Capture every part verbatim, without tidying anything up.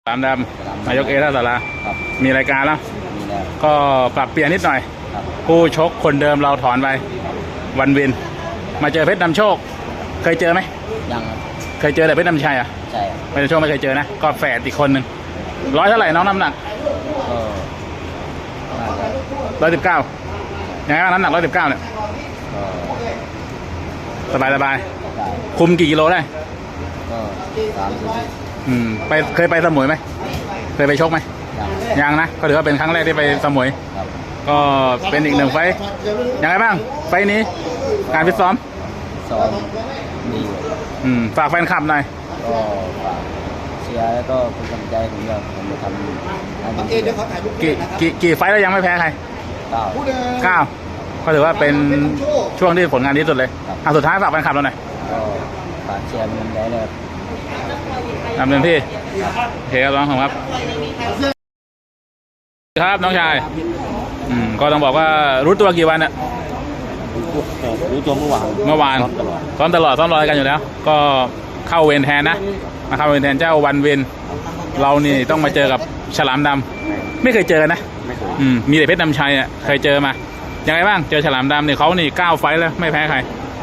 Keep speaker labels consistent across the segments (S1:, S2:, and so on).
S1: สามดำนายกเอท่าสารามีรายการแล้วก็ปรับเปลี่ยนนิดหน่อยผู้ชกคนเดิมเราถอนไปวันวินมาเจอเพชรนำโชคเคยเจอไหม
S2: ยัง
S1: เคยเจอแต่เพชรนำชัยอ่ะ
S2: ใช่
S1: เพชรนำโชคไม่เคยเจอนะก็แฝดอีกคนหนึ่งร้อยเท่าไหร่น้องน้ำหนักร้อยสิบเก้ายังไงบ้างน้ำหนักร้อยสิบเก้าเนี่ยสบายสบายคุมกี่กิโลได้
S2: ก็สามสิบ
S1: อืมไปเคยไปสมุยไหมเคยไปชกไหมยังนะก็ถือว่าเป็นครั้งแรกที่ไปสมุยก็เป็นอีกหนึ่งไฟยังไงบ้างไฟนี้การฟิตซ้อม
S2: ซ้อมดี
S1: อืมฝากแฟนคลับหน่อย
S2: ก็ฝากเชียร์แล้วก็เป็นกำลังใจผมจะผมจะทำให้ดี
S1: กี่กี่กี่ไฟแล้วยังไม่แพ้ใคร
S2: เก้า
S1: เก้าก็ถือว่าเป็นช่วงที่ผลงานดีสุดเลยอ่ะสุดท้ายฝากแฟนคลับเราหน่อย
S2: ก็ฝากเชียร์มันได้เลย
S1: ทำเต็มที่โอเคครับน้องครับครับน้องชายอืมก็ต้องบอกว่ารู้ตัวกี่วันเนี่ย
S2: รู้ตัวเมื่อวาน
S1: เมื่อวานซ้อมตลอดซ้อมรอกันอยู่แล้วก็เข้าเวรแทนนะมาเข้าเวรแทนเจ้าวันเวรเรานี่ต้องมาเจอกับฉลามดำไม่เคยเจอนะอืมมีแต่เพชรนำชัยอ่ะเคยเจอมายังไงบ้างเจอฉลามดำเนี่ยเขานี่เก้าไฟแล้วไม่แพ้ใคร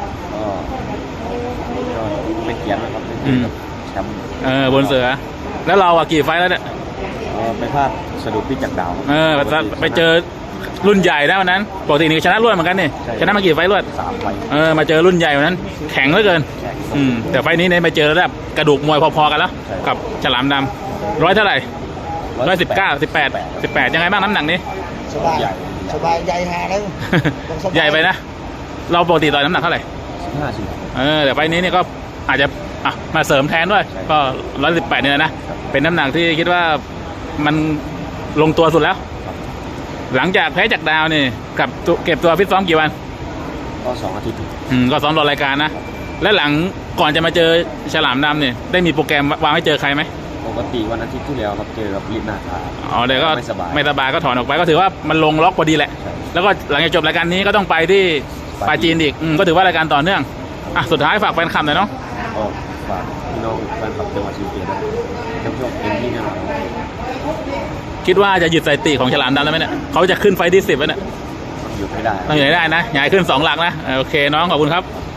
S2: ก็เป็นเกียรตินะครับ
S1: อืมเออบนเสือแล้วเราอ่ะกี่ไฟแล้วเนี่ย
S2: ไปพลาดสะดุดพี่จักรดาว
S1: เออไปเจอรุ่นใหญ่นะวันนั้นปกตินี่ชนะรวดเหมือนกันนี่ชนะมากี่ไฟรวด
S2: สามไฟ
S1: เออมาเจอรุ่นใหญ่วันนั้นแข็งเหลือเกินอืมแต่ไฟนี้เนี่ยไปเจอระดับกระดูกมวยพอๆกันแล้วกับฉลามดำร้อยเท่าไหร่ร้อยสิบเก้าสิบแปดสิบแปดยังไงบ้างน้ำหนักนี้
S2: สบายสบายใหญ่ฮาแล้ว
S1: ใหญ่ไปนะเราปกติต่อยน้ำหนักเท่าไหร่
S2: ห้าสิบ
S1: เออแต่ไฟนี้นี่ก็อาจจะอ่ะมาเสริมแทนด้วยก็ร้อยสิบแปดเนี่ยนะเป็นน้ำหนักที่คิดว่ามันลงตัวสุดแล้วหลังจากแพ้จากดาวนี่กับเก็บตัวฟิตซ้อมกี่วัน
S2: ก็สองอาทิตย์
S1: อืมก็ซ้อมรอรายการนะและหลังก่อนจะมาเจอฉลามดำเนี่ยได้มีโปรแกรมวางให้เจอใครไหม
S2: ปกติวันอาทิตย์ที่แล้วครับเจอกับลินาคา
S1: อ๋อเดี๋ยวก็ไม่สบายไม่สบายก็ถอนออกไปก็ถือว่ามันลงล็อกพอดีแหละแล้วก็หลังจากจบรายการนี้ก็ต้องไปที่ปาจีนอีกอืมก็ถือว่ารายการต่อเนื่องอ่ะสุดท้ายฝากแฟนคลับหน่อยเนาะ
S2: ก็ฝากพี่น้องแฟนคลับจังหวัดศรีสะเกษด้วยทั้งช่วงเต็มที่แน่นอน
S1: คิดว่าจะหยุดสถิติของฉลามดำได้ไหมเนี่ยเขาจะขึ้นไฟที่สิบแล้วเนี่ย
S2: หยุดไม่ได้
S1: ต้องหยุดได้นะใหญ่ขึ้นสองหลักนะโอเคน้องขอบคุณครับ